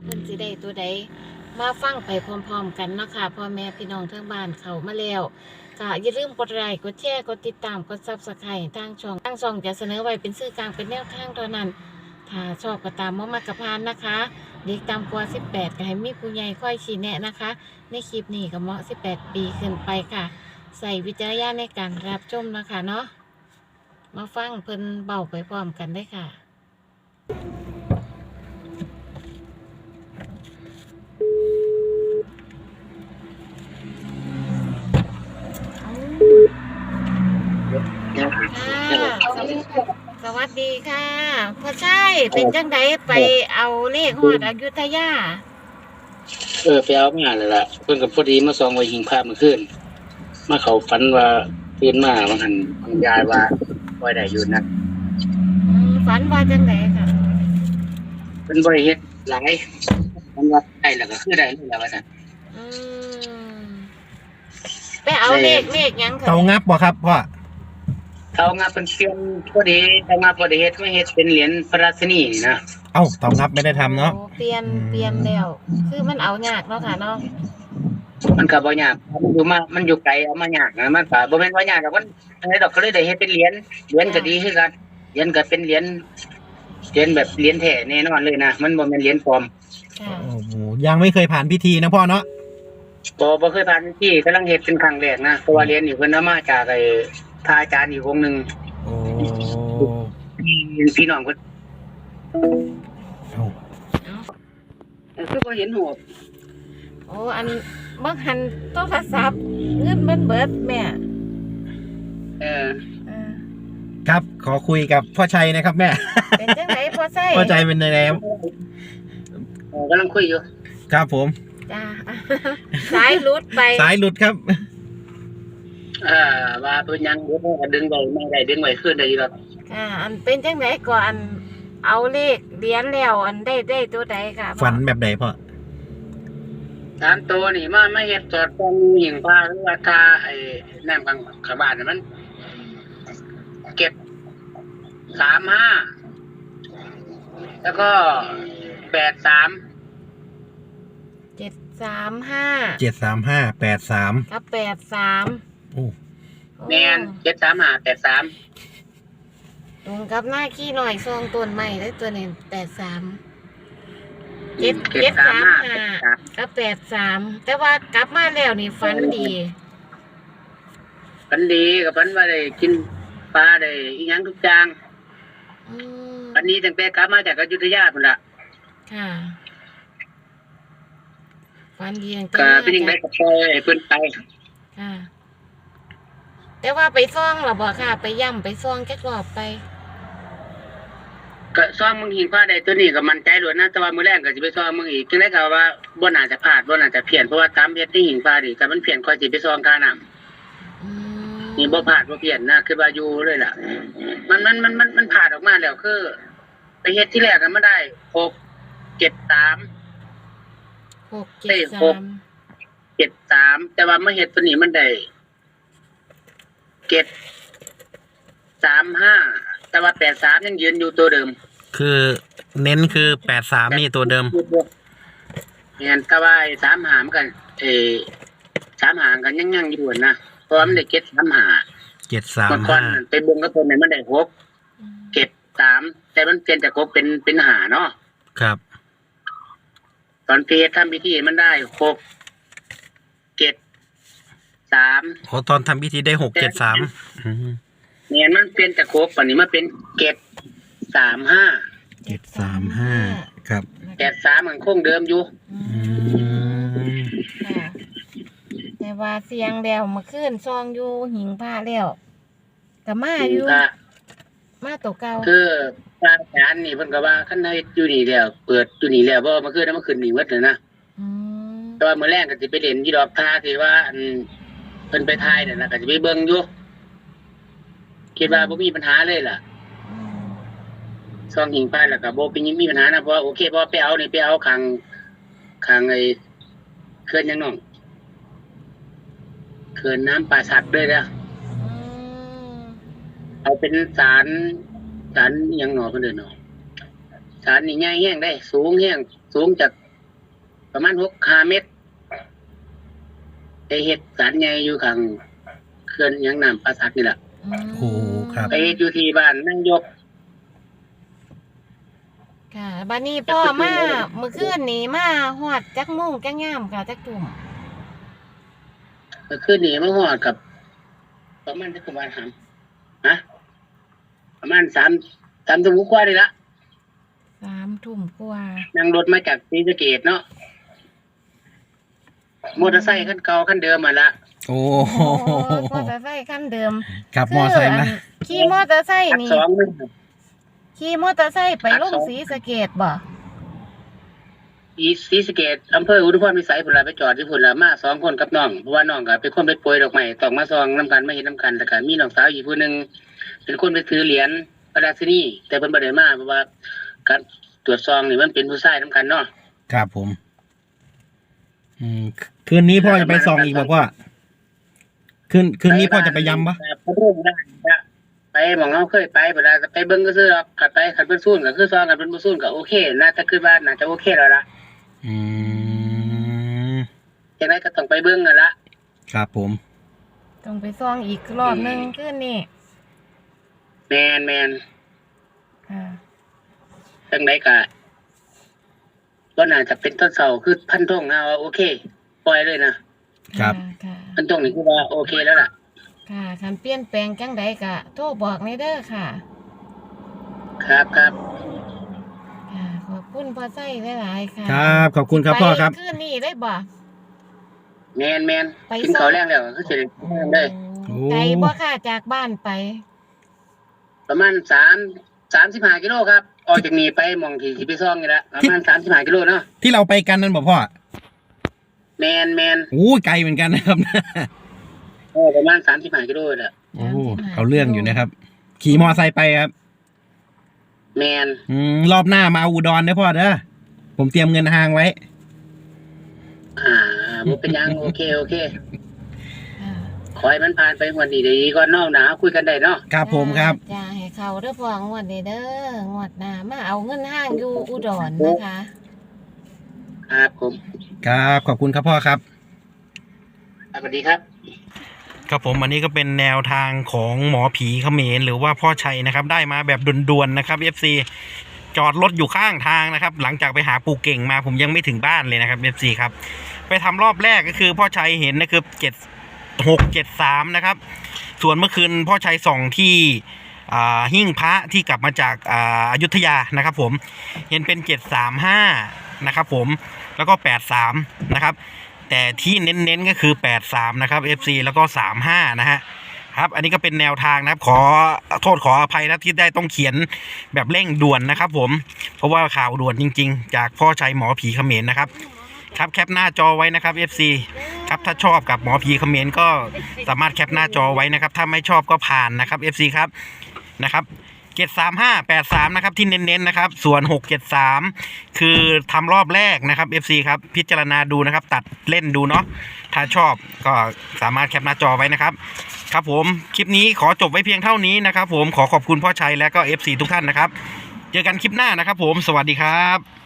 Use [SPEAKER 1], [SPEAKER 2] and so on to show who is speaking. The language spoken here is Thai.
[SPEAKER 1] เพิ่นสิได้ตัวใดมาฟังไปพร้อมๆกันเนาะค่ะพ่อแม่พี่น้องทั้งบ้านเข้ามาแล้วก็อย่าลืมกดไลค์กดแชร์กดติดตามกด Subscribe ทางช่องจะเสนอไว้เป็นสื่อกลางเป็นแนวทางเท่านั้นถ้าชอบก็ตามบ่มักก็ผ่านนะคะเด็กต่ำกว่า18ก็ให้มีผู้ใหญ่คอยชี้แนะนะคะในคลิปนี้ก็เหมาะ18ปีขึ้นไปค่ะใส่วิจารณญาณในการรับชมนะคะเนาะมาฟังเพิ่นเบาไปพร้อมกันได้ค่ะสวัสดีค่ะพ่อใช่เป็นจังไดไปเอาเลขฮอดอยุธยา
[SPEAKER 2] ไปเอามาเลยล่ะเพิ่นกับพอดีมาซองไว้หิงพระเมื่อคืนมาเขาฝันว่าตื่นมาว่าหันบางยายว่าไว้ได้อยู่นะ
[SPEAKER 1] ฝันว่าจังไดค่ะ
[SPEAKER 2] เป็นบ่ได้เฮ็ดหลายมันว่าได้แล้วก็คือได้แล้วว่าซั่น
[SPEAKER 1] ไปเอาเลขหยังค่ะ
[SPEAKER 3] เตางับบ่ครับพ่อ
[SPEAKER 2] เขางาเป็นเปลี่ยนพอดีเขางาพอดีเฮ็ดไม่เฮ็ดเป็นเหรียญพระราชินีนะ
[SPEAKER 3] เอ้าเตางับไม่ได้ทำเนาะ
[SPEAKER 1] เปลี่ยนแล้วคือมันเอายากเนาะค่ะเนาะ
[SPEAKER 2] มันก็บ่ยากมันอยู่ไกลเอามายากนะมันก็บ่แม่นว่ายากดอกมันอันนี้ดอกก็เลยได้เฮ็ดเป็นเหรียญก็ดีคือกันเหรียญก็เป็นเหรียญแบบเหรียญแท้แน่นอนเลยนะมันบ่แม่นเหรียญปลอม
[SPEAKER 3] โอ้โหยังไม่เคยผ่านพิธีนะพ่อเนาะ
[SPEAKER 2] บ่เคยผ่านพิธีกำลังเฮ็ดเป็นครั้งแรกนะเพราะว่าเหรียญนี่เพิ่นเอามาจากพระอาจารย์อีกองค์นึง
[SPEAKER 3] โอ้
[SPEAKER 2] พี่น้องเพิ่นคือบ่เห็นหัว
[SPEAKER 1] โอ้อันบ่หันโทรศัพท์เงินมันเบิดแม่
[SPEAKER 3] ครับขอคุยกับพ่อชัยนะครับแม่
[SPEAKER 1] เป็นจังไดพ่อชัย
[SPEAKER 3] พ่อชัยเป็นยังไงครับ
[SPEAKER 2] กำลังคุยอยู่
[SPEAKER 3] ครับผม
[SPEAKER 1] จ้าสายหลุดไป
[SPEAKER 3] สายหลุดครับ
[SPEAKER 2] ว่าเป็นยังดึงไว้ไม่ได้ดึงไว้ขึ้นได้ครับ
[SPEAKER 1] อันเป็นจังไดก่อนเอาเลขเหรียญแล้วอันได้ตัวใดค่ะ
[SPEAKER 3] ฝันแบบไหนพ่อ
[SPEAKER 2] 3ตัวนี่มาไม่เฮ็ดสอดตรงหิ่งพระหรือว่าทาน้ำข้างบ้านมันเก็บ35แล้วก็83
[SPEAKER 1] 735
[SPEAKER 3] 735 83
[SPEAKER 1] กับ83
[SPEAKER 3] โอ้
[SPEAKER 2] แม่น735 83
[SPEAKER 1] ตรงกับหน้าขี้หน่อยซองต้นใหม่ได้ตัวนี้83 735กับ83แต่ว่ากลับมาแล้วนี่ฝันดี
[SPEAKER 2] กับฝันว่าได้กินปลาได้อีหยังทุกอย่างอันนี้ตั้งแต่กลับมาจากอยุธยาพุ่นล่ะ
[SPEAKER 1] ค่ะฝันดี
[SPEAKER 2] ก็เป็นยังไงก็ปล่อยให้เพิ่นไป
[SPEAKER 1] ค่ะแต่ว่าไปซ่องหรอบ่ค่ะไปย่ำไปซ่องจักรอบไป
[SPEAKER 2] ก็ซ่อมมึงหิงพลาดได้ตัวนี้ก็มั่นใจล้วนนะแต่ว่ามื้อแรกก็สิไปซ่อมมึงอีกจังได๋ก็ว่าบ่น่าจะพลาดบ่น่าจะเพี้ยนเพราะว่าตามเฮ็ดที่หิงพลาดนี่ถ้ามันเพี้ยนค่อยสิไปซ่อมค่าน้ำนี่บ่พลาดบ่เพี้ยนนะคือว่าอยู่เลยล่ะมันพลาดออกมาแล้วคือไปเฮ็ดที่แรกก็มาได้673แต่ว่ามาเฮ็ดตัวนี้มันได้735แต่ว่า83ยังยืนอยู่ตัวเดิม
[SPEAKER 3] คือเน้นคือ83นี่ตัวเดิม
[SPEAKER 2] เนี่ยแต่ว่า35มันกัน35กันยังอยู่นะเพราะมันได้735มันก่อนไปเบิ่งกับเพิ่นมันได้673แต่มันเปลี่ยนจาก6เป็น5เนาะ
[SPEAKER 3] ครับ
[SPEAKER 2] ตอนเพจทำพิธีมันได้673
[SPEAKER 3] โอ้ตอนทำพิธีได้673
[SPEAKER 2] เนี่ยมันเปลี่ยนจาก6ป่านนี้มาเป็น
[SPEAKER 3] 735ครับ
[SPEAKER 2] 83มันคงเดิมอยู่
[SPEAKER 1] แต่ว่าเสียงแล้วเมื่อคืนซองอยู่หิงผ้าแล้วก็มาอยู่มาตัวเก่า
[SPEAKER 2] คือพระอาจารย์นี่เพิ่นก็ว่าคันเฮ็ดอยู่นี่แล้วเปิดอยู่นี่แล้วบ่เมื่อคืนนั้นเมื่อคืนนี่หมดเลยนะแต่ว่ามื้อแรกก็สิไปเล่นอยู่ดอกทาที่ว่าเพิ่นไปถ่ายนั่นน่ะก็สิไปเบิ่งอยู่คิดว่าบ่มีปัญหาเลยล่ะซองหิงพลาดแล้วก็บ่มีปัญหานะเพราะโอเคพอไปเอานี่ไปเอาข้างเขื่อนยังน้องเขื่อนน้ำป่าสักด้วยนะเอาเป็นศาลยังหนอเพิ่นเด้อเนาะศาลนี่ใหญ่แฮงได้สูงจากประมาณ6-5 เมตรไปเฮ็ดศาลใหญ่อยู่ข้างเขื่อนหยังน้ำปราสักนี่แหละ
[SPEAKER 3] โอ้ครับ
[SPEAKER 2] ไปเฮ็ดอยู่ที่บ้านนางยก
[SPEAKER 1] ค่ะบัดนี้พ่อมาเมื่อคืนนี้มาฮอดจักโมงจักยามค่ะจักทุ่ม
[SPEAKER 2] ก็คือนี่มาฮอดกับ ประมาณจักประมาณฮะประมาณ3 ทุ่มกว่านี่ละ
[SPEAKER 1] 3 ทุ่มกว่า
[SPEAKER 2] นั่งรถมาจากศรีสะเกษเนาะมอเตอร์ไซค์คันเก่าคันเดิมมาละ
[SPEAKER 3] โอ้
[SPEAKER 1] โอ้มอเตอร์ไซค์คันเดิม
[SPEAKER 3] ขับมอไซค์มา
[SPEAKER 1] ขี่มอเตอร์ไซค์นี่
[SPEAKER 2] 2นึง
[SPEAKER 1] ขี่มอเตอร์ไซค์ไปลงศรีสะเกษบ่
[SPEAKER 2] อีศรีสะเกษอำเภออุทุมพรพิสัยพุ่นล่ะไปจอดที่พุ่นล่ะมา2 คนกับน้องเพราะว่าน้องก็เป็นคนไปโปรยดอกไม้ต้องมาซองนํกันมาเฮ็ดนํกันแล้วก็มีน้องสาวอีกผู้หนึงเป็นคนไปถือเหรียญพระราชินีแต่เพิ่นบ่ได้มาเพราะว่าการตรวจซองนี่มันเป็นผู้ชายนํกันเนาะ
[SPEAKER 3] ครับผม คืนนี้พ่อจะไปส่องอีกบ่พ่อคืนนี้พ่อจะไปย้ำปะ
[SPEAKER 2] ไปเรื่องได้นะไปหมองเฮาเคยไปเวลาไปเบิ่งก็ซื้อหรอกขัดไปขัดเพิ่นสู้ก็คือซองกันเพิ่นบ่สู้ก็โอเคน่าจะคิดว่าน่าจะโอเคแล้วล่ะ
[SPEAKER 3] อืม
[SPEAKER 2] จังได๋ก็ต้องไปเบิ่งนั่นล่ะ
[SPEAKER 3] ครับผม
[SPEAKER 1] ต้องไปซ่องอีกรอบหนึงคืนนี้
[SPEAKER 2] แม่น
[SPEAKER 1] ค่ะ
[SPEAKER 2] จังได๋ก็บ่น่าจะเป็นต้นเสาคือพันธงเอาโอเคปล่อยเลยนะครับ
[SPEAKER 1] ค่ะ
[SPEAKER 2] พันธงนี่คือว่าโอเคแล้วล่ะ
[SPEAKER 1] ค่ะคันเปลี่ยนแปลงจังใดก็โทรบอกในเด้อค่ะ
[SPEAKER 2] ครับ
[SPEAKER 1] ค่ะขอบคุณพ่อไส้หลายๆค่ะ
[SPEAKER 3] ครับ ขอบคุณครับพ่อครับ
[SPEAKER 1] ไปคืนนี้ได้บ่
[SPEAKER 2] แม่น
[SPEAKER 1] ไป
[SPEAKER 2] กินข้าวแรงแล้วก็คือสิได้ทำเลย
[SPEAKER 3] โอ้
[SPEAKER 1] ไกลบ่ค่ะจากบ้านไป
[SPEAKER 2] ประมาณ35 กิโลครับออกจากนี้ไปหม่องที่สิไปซ่องนี่ละประมาณ35 กิโลเนาะ
[SPEAKER 3] ที่เราไปกันนั่นบ่พ่อ
[SPEAKER 2] แม่น
[SPEAKER 3] โอ้ไกลเหมือนกันนะครับ
[SPEAKER 2] ประมาณ35 กิโลแหละ
[SPEAKER 3] โอ้เอาเรื่องอยู่นะครับ ขี่มอไซค์ไปครับ
[SPEAKER 2] แม่น
[SPEAKER 3] รอบหน้ามาอุดรนะพ่อเด้อผมเตรียมเงินห้างไว้
[SPEAKER 2] บ่เป็นหยังโอเค
[SPEAKER 1] ค่ะ
[SPEAKER 2] ขอให้มันผ่านไปงวดนี้ได้ดีก่อนเนาะนะคุยกันได้เนาะ
[SPEAKER 3] ครับผมครับ
[SPEAKER 1] จ้าให้เขาเด้อพ่องวดนี้เด้องวดหน้ามาเอาเงินห้างอยู่อุดรนะคะ
[SPEAKER 2] ครับผม
[SPEAKER 3] ครับ ขอบคุณครับพ่อครับ
[SPEAKER 2] สวัสดีครับ
[SPEAKER 3] ครับผมอันนี้ก็เป็นแนวทางของหมอผีเขมรหรือว่าพ่อชัยนะครับ ได้มาแบบด่วนๆนะครับ FC จอดรถอยู่ข้างทางนะครับ หลังจากไปหาปู่เก่งมาผมยังไม่ถึงบ้านเลยนะครับ FC ครับไปทำรอบแรกก็คือพ่อชัยเห็นนะครับ673นะครับส่วนเมื่อคืนพ่อชัยส่องที่หิ้งพระที่กลับมาจากอยุธยานะครับผมเห็นเป็น735นะครับผมแล้วก็83นะครับแต่ที่เน้นๆก็คือ83นะครับ FC แล้วก็35นะฮะครับอันนี้ก็เป็นแนวทางนะครับขอโทษขออภัยนะที่ได้ต้องเขียนแบบเร่งด่วนนะครับผมเพราะว่าข่าวด่วนจริงๆจากพ่อชัยหมอผีเขมรนะครับครับแคปหน้าจอไว้นะครับ FC ครับถ้าชอบกับหมอผีเขมรก็สามารถแคปหน้าจอไว้นะครับถ้าไม่ชอบก็ผ่านนะครับ FC ครับนะครับ73583นะครับที่เน้นๆนะครับส่วน673คือทำรอบแรกนะครับ FC ครับพิจารณาดูนะครับตัดเล่นดูเนาะถ้าชอบก็สามารถแคปหน้าจอไว้นะครับครับผมคลิปนี้ขอจบไว้เพียงเท่านี้นะครับผมขอขอบคุณพ่อชัยและก็ FC ทุกท่านนะครับเจอกันคลิปหน้านะครับผมสวัสดีครับ